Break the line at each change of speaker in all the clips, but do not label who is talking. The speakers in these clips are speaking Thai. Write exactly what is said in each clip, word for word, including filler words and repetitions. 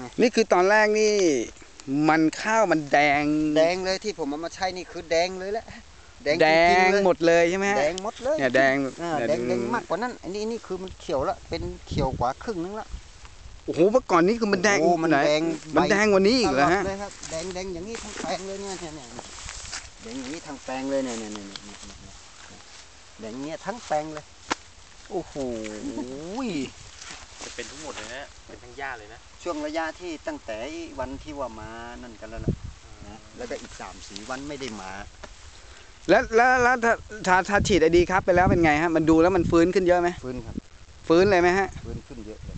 ไง
นี่คือตอนแรกนี่มันข้าวมันแดง
แดงเลยที่ผมเอามาใช้นี่คือแดงเลยแหละ
แดงหมดเลยใช่ไหม
แดงหมดเลย
เนี่ยแดง
แดงแดงมากกว่านั้นอันนี้นี่คือมันเขียวละเป็นเขียวกว่าครึ่งนึงละ
โอ้โหเมื่อก่อนนี้คือมันแดง
มันแดง
มันแดงกว่านี้อีกเหรอฮะ
แดงแดงอย่างนี้ทั้งแปลงเลยเนี่ยเนี่ยแดงอย่างนี้ทั้งแปลงเลยเนี่ยเนี่ยเนี่ยแดงเนี้ยทั้งแปลงเลยโอ้โห
จะเป็นทั้งหมดเลยนะเป็นทั้งหญ้าเลยนะ
ช่วงระยะที่ตั้งแต่วันที่ว่ามานั่นกันแล้วนะแล้วก็อีกสามสี่วันไม่ได้มา
แล้วแล้วแล้วถ้าถ้าถ้าฉีดไอดีครับไปแล้วเป็นไงฮะมันดูแล้วมันฟื้นขึ้นเยอะไหม
ฟื้นครับ
ฟื้นเลยไหมฮะ
ฟื้นขึ้นเยอะเลย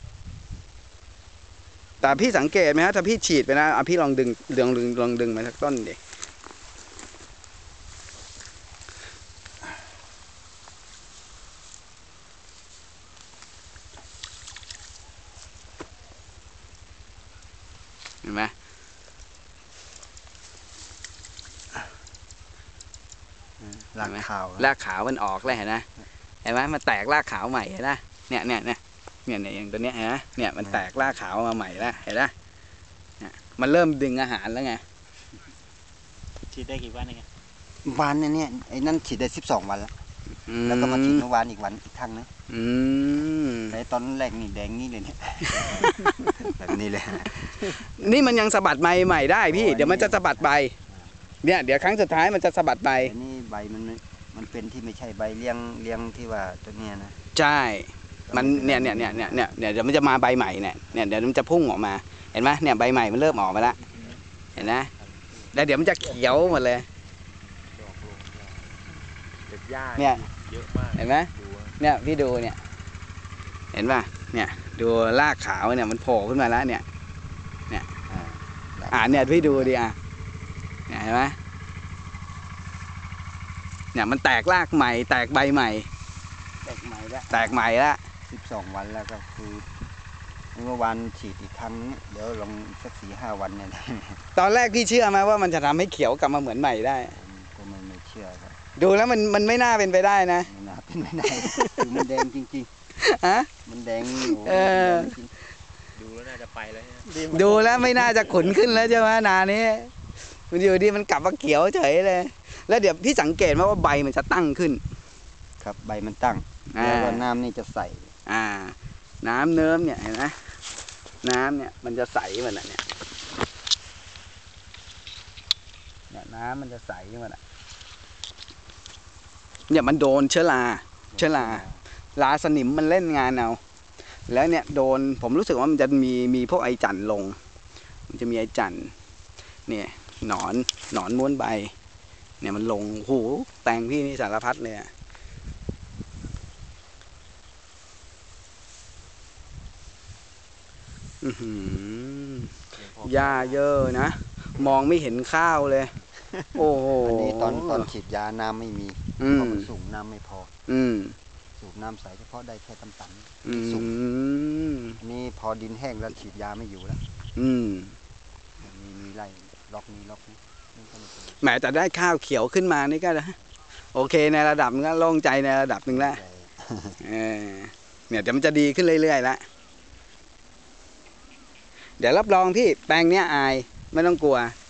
แต่พี่สังเกตไหมฮะถ้าพี่ฉีดไปนะอ่ะพี่ลองดึงลองดึงลองดึงมาสักต้นดิเห็นไหม
รากขาว
รากขาวมันออกแล้วเห็นไหมเห็นไหมมันแตกรากขาวใหม่เห็นไหมเนี่ยเนี่ยเนี่ยเนี่ยเนี่ยอย่างตัวเนี้ยเห็นไหมเนี่ยมันแตกรากขาวมาใหม่แล้วเห็นไหมเนี่ยมันเริ่มดึงอาหารแล้วไง
ฉีดได้กี่วันเอง
วันเนี่ยไอ้นั่นฉีดได้สิบสองวันแล้วแล้วก็มาฉีดเมื่อวานอีกวันอีกครั้งนะแต่ตอนแรกนี่แดงนี่เลยเนี่ยแบบนี้เลย
นี่มันยังสะบัดใบใหม่ได้พี่เดี๋ยวมันจะสะบัดใบเนี่ยเดี๋ยวครั้งสุดท้ายมันจะสะบัดใบ
นี่ใบมันมันเป็นที่ไม่ใช่ใบเลี้ยงเลี้ยงที่ว่าตัวเนี้ยนะ
ใช่มันเนี่ยเนี่ยเนี่ยเนี่ยเนี่ยเดี๋ยวมันจะมาใบใหม่เนี่ยเนี่ยเดี๋ยวมันจะพุ่งออกมาเห็นไหมเนี่ยใบใหม่มันเริ่มออกมาแล้วเห็นไหมแล้วเดี๋ยวมันจะเขียวหมดเลยเนี่ยเยอะมากเห็นไหมเนี่ยพี่ดูเนี่ยเห็นป่ะเนี่ยดูรากขาวเนี่ยมันโผล่ขึ้นมาแล้วเนี่ยเนี่ยอ่าเนี่ยพี่ดูดิอ่ะเนี่ยเห็นไหมเนี่ยมันแตกรากใหม่แตกใบใหม่
แตกใหม่แล้ว
แตกใหม่แล้ว
สิบสองวันแล้วก็คือเมื่อวานฉีดอีกครั้งเดี๋ยวลองสักสี่ห้าวันเนี่ย
ตอนแรกพี่เชื่อไหมว่ามันจะทำให้เขียวกลับมาเหมือนใหม่ได้
ก็ไม่ไม่เชื่อครับ
ดูแล้วมันมันไม่น่าเป็นไปได้นะ
ไม่น่าเป็นไปได้คือมันแดงจริง
ๆฮะ
มันแดง
เออ
ดูแล้วน่าจะไปแล้ว
ดูแล้วไม่น่าจะขุนขึ้นแล้วใช่ไหมนานี้มันอยู่ดีมันกลับมาเขียวเฉยเลยแล้วเดี๋ยวพี่สังเกตไหมว่าใบมันจะตั้งขึ้น
ครับใบมันตั้งแล้วก็น้ำนี่จะใส
อ่าน้ำเนิ้มเนี่ยเห็นไหมน้ำเนี่ยมันจะใสเหมือนเนี่ยเนี่ยน้ำมันจะใสเหมือนเนี่ยมันโดนเชื้อราเชื้อราราสนิมมันเล่นงานเอาแล้วเนี่ยโดนผมรู้สึกว่ามันจะมีมีพวกไอจันลงมันจะมีไอจันเนี่ยหนอนหนอนม้วนใบเนี่ยมันลงโหแตงพี่นี่สารพัดเลยหญ้าเยอะนะมองไม่เห็นข้าวเลยโอ้โห
อันนี้ตอนตอนฉีดยาน้ำไม่มีเพราะมันสูงน้ำไม่พอ
อืม
สูบน้ำใสเฉพาะได้แค่ตำตันสูงอันนี้พอดินแห้งแล้วฉีดยาไม่อยู่แล้ว
อืม
มีมีไร่ล็อกนี้ล็อกนี้
แหมแต่ได้ข้าวเขียวขึ้นมานี่ก็นะโอเคในระดับนึงแล้วโล่งใจในระดับหนึ่งแล้วเออเนี่ยเดี๋ยวมันจะดีขึ้นเรื่อยๆแล้วเดี๋ยวรับรองพี่แปลงเนี้ยอายไม่ต้องกลัว